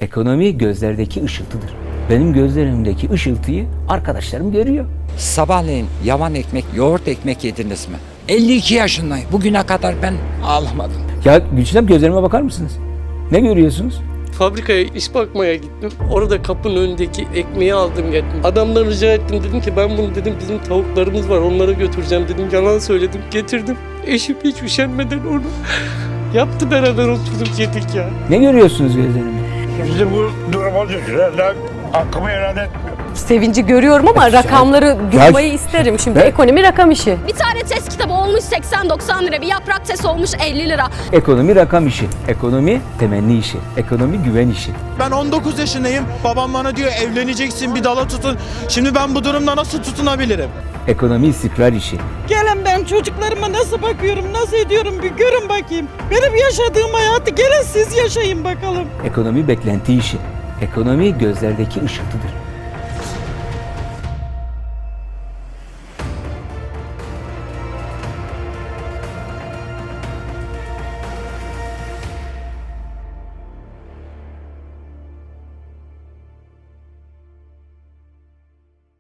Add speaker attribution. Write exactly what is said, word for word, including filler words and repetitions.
Speaker 1: Ekonomi gözlerdeki ışıltıdır. Benim gözlerimdeki ışıltıyı arkadaşlarım görüyor.
Speaker 2: Sabahleyin yavan ekmek, yoğurt ekmek yediniz mi? elli iki yaşındayım. Bugüne kadar ben ağlamadım.
Speaker 1: Ya Gülçinem, gözlerime bakar mısınız? Ne görüyorsunuz?
Speaker 3: Fabrikaya iş bakmaya gittim. Orada kapının önündeki ekmeği aldım geldim. Adamdan rica ettim, dedim ki ben bunu dedim bizim tavuklarımız var onlara götüreceğim dedim. Yalan söyledim, getirdim. Eşim hiç üşenmeden onu yaptı, beraber oturduk yedik ya.
Speaker 1: Ne görüyorsunuz gözlerimde?
Speaker 4: Bizi bu duruma düşürenler hakkımı helal etmiyor.
Speaker 5: Sevinci görüyorum ama rakamları duymayı isterim. Şimdi
Speaker 1: Ben-
Speaker 5: ekonomi rakam işi.
Speaker 6: Bir tane test kitabı olmuş seksen doksan lira, bir yaprak test olmuş elli lira.
Speaker 1: Ekonomi rakam işi, ekonomi temenni işi, ekonomi güven işi.
Speaker 7: Ben on dokuz yaşındayım. Babam bana diyor evleneceksin, bir dala tutun. Şimdi ben bu durumda nasıl tutunabilirim?
Speaker 1: Ekonomi istikrar işi.
Speaker 8: Gelin ben çocuklarıma nasıl bakıyorum, nasıl ediyorum bir görün bakayım. Benim yaşadığım hayatı gelin siz yaşayın bakalım.
Speaker 1: Ekonomi beklenti işi. Ekonomi gözlerdeki ışıltıdır.